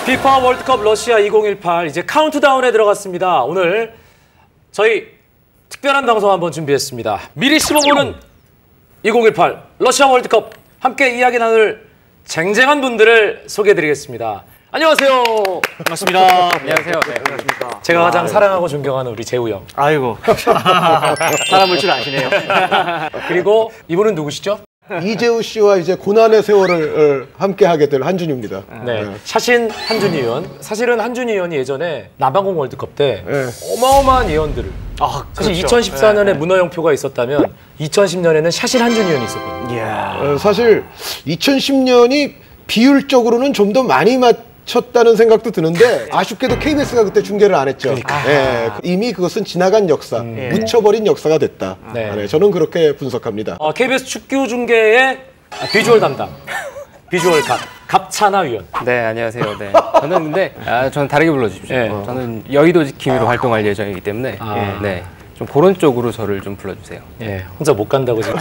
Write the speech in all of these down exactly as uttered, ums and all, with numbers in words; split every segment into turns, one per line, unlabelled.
피파 월드컵 러시아 이천십팔 이제 카운트다운에 들어갔습니다. 오늘 저희 특별한 방송 한번 준비했습니다. 미리 씹어보는 이천십팔 러시아 월드컵 함께 이야기 나눌 쟁쟁한 분들을 소개해드리겠습니다. 안녕하세요.
반갑습니다. 안녕하세요. 네, 반갑습니다.
제가 가장 아유. 사랑하고 존경하는 우리 재우 형.
아이고. 사람을 줄 아시네요.
그리고 이분은 누구시죠?
이재우 씨와 이제 고난의 세월을 함께 하게 될 한준희입니다.
네. 네. 샤신 한준희 의원. 사실은 한준희 의원이 예전에 남아공 월드컵 때
네.
어마어마한 예언들을. 아, 사실
그렇죠.
이천십사 년에
네.
문어영표가 있었다면 이천십 년에는 샤신 한준희 의원이 있었거든요.
이야.
어, 사실 이천십 년이 비율적으로는 좀 더 많이 맞췄다는 생각도 드는데 아쉽게도 케이비에스가 그때 중계를 안 했죠.
그러니까.
네, 이미 그것은 지나간 역사,
음.
묻혀버린 역사가 됐다.
네.
네, 저는 그렇게 분석합니다.
어, 케이비에스 축구 중계의 비주얼 담당, 비주얼 갑, 갑찬하 위원.
네, 안녕하세요. 네. 저는 근데 아, 저는 다르게 불러주십시오.
네.
어. 저는 여의도 지킴이로 활동할 예정이기 때문에
아.
네, 좀 그런 쪽으로 저를 좀 불러주세요.
예, 혼자 못 간다고 지금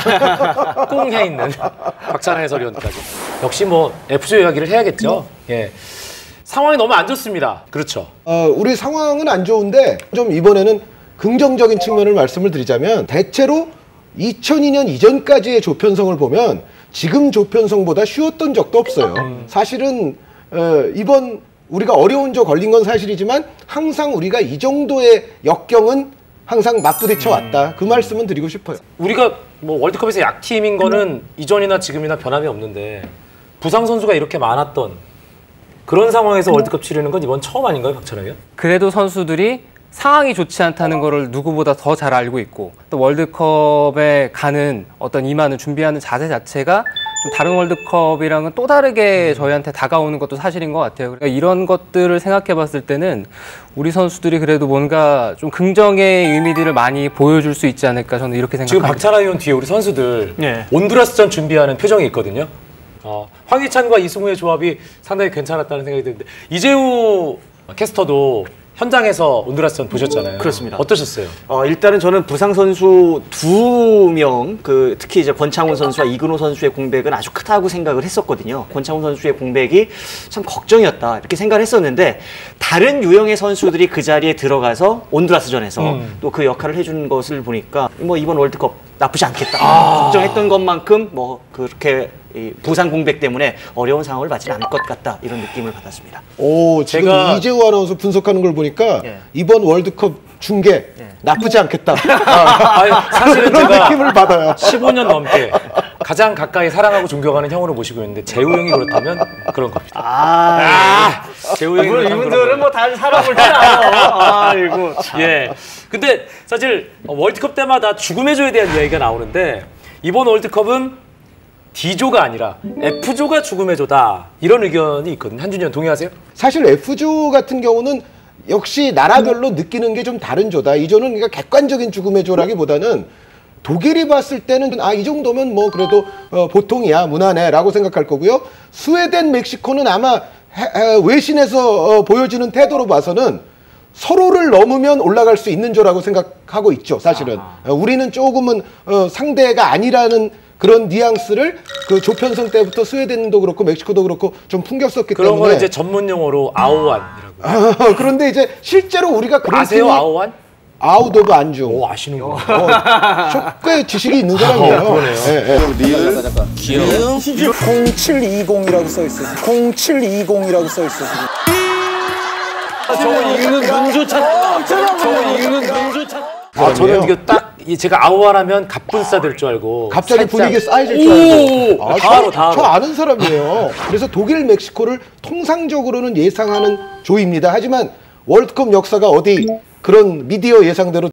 꽁 해 있는 박찬하 해설위원까지. 역시 뭐 에프조 이야기를 해야겠죠. 예, 상황이 너무 안 좋습니다. 그렇죠.
어, 우리 상황은 안 좋은데 좀 이번에는 긍정적인 측면을 말씀을 드리자면 대체로 이천이 년 이전까지의 조편성을 보면 지금 조편성보다 쉬웠던 적도 없어요. 음. 사실은 어, 이번 우리가 어려운 조 걸린 건 사실이지만 항상 우리가 이 정도의 역경은 항상 맞부딪혀 왔다. 그 말씀은 드리고 싶어요.
우리가 뭐 월드컵에서 약팀인 거는 이전이나 지금이나 변함이 없는데 부상 선수가 이렇게 많았던 그런 상황에서 월드컵 치르는 건 이번 처음 아닌가요, 박찬하 위원?
그래도 선수들이 상황이 좋지 않다는 거를 누구보다 더 잘 알고 있고 또 월드컵에 가는 어떤 임하는 준비하는 자세 자체가 좀 다른 월드컵이랑은 또 다르게 저희한테 다가오는 것도 사실인 것 같아요. 그러니까 이런 것들을 생각해 봤을 때는 우리 선수들이 그래도 뭔가 좀 긍정의 의미들을 많이 보여줄 수 있지 않을까 저는 이렇게 생각합니다.
지금 박찬하 위원 뒤에 우리 선수들
네.
온두라스전 준비하는 표정이 있거든요. 어, 황희찬과 이승우의 조합이 상당히 괜찮았다는 생각이 드는데 이재우 캐스터도 현장에서 온두라스전 보셨잖아요.
그렇습니다.
어떠셨어요?
어, 일단은 저는 부상 선수 두 명, 그 특히 이제 권창훈 선수와 이근호 선수의 공백은 아주 크다고 생각을 했었거든요. 권창훈 선수의 공백이 참 걱정이었다 이렇게 생각을 했었는데 다른 유형의 선수들이 그 자리에 들어가서 온두라스전에서 음. 또 그 역할을 해준 것을 보니까 뭐 이번 월드컵 나쁘지 않겠다. 아. 걱정했던 것만큼 뭐 그렇게 이 부상 공백 때문에 어려운 상황을 맞지 않을 것 같다 이런 느낌을 받았습니다.
오, 지금
제가...
이재우 아나운서 분석하는 걸 보니까
예.
이번 월드컵 중계 예. 나쁘지 않겠다.
아, 아니, 사실은
그런
제가
느낌을 받아요.
십오 년 넘게 가장 가까이 사랑하고 존경하는 형으로 모시고 있는데 재우 형이 그렇다면 그런 겁니다.
아,
아 재우 형이
물론
그렇다면
이분들은 뭐 다른 사람을 다 아이고.
예. 근데 사실 월드컵 때마다 죽음의 조에 대한 이야기가 나오는데 이번 월드컵은 D조가 아니라 F조가 죽음의 조다 이런 의견이 있거든요. 한준희 의원 동의하세요?
사실 F조 같은 경우는 역시 나라별로 느끼는 게 좀 다른 조다. 이 조는 그러니까 객관적인 죽음의 조라기보다는 독일이 봤을 때는 아, 이 정도면 뭐 그래도 어, 보통이야, 무난해라고 생각할 거고요. 스웨덴, 멕시코는 아마 해, 해, 외신에서 어, 보여지는 태도로 봐서는 서로를 넘으면 올라갈 수 있는 조라고 생각하고 있죠. 사실은 아. 어, 우리는 조금은 어, 상대가 아니라는 그런 뉘앙스를 그 조편성 때부터 스웨덴도 그렇고 멕시코도 그렇고 좀 풍겼었기
그런
때문에
그런 건 이제 전문 용어로 아오안이라고.
아, 그런데 이제 실제로 우리가 그런
아세요
팀이
아오안?
아웃 오브 안중.
오, 아시는구나.
어, 꽤 지식이 있는 사람이에요.
어, 그러네요.
예, 예.
리을 귀여워 공칠이공이라고 써있어. 공칠이공이라고 써있어.
저거 읽는 눈조차. 저거 읽는 눈조차. 아, 저는 이게 딱 제가 아오아라면 갑분싸 될 줄 알고
갑자기
살짝...
분위기 쌓여질 줄 알고.
오,
아,
다 알아,
저,
다 알아.
저 아는 사람이에요. 그래서 독일, 멕시코를 통상적으로는 예상하는 조입니다. 하지만 월드컵 역사가 어디 그런 미디어 예상대로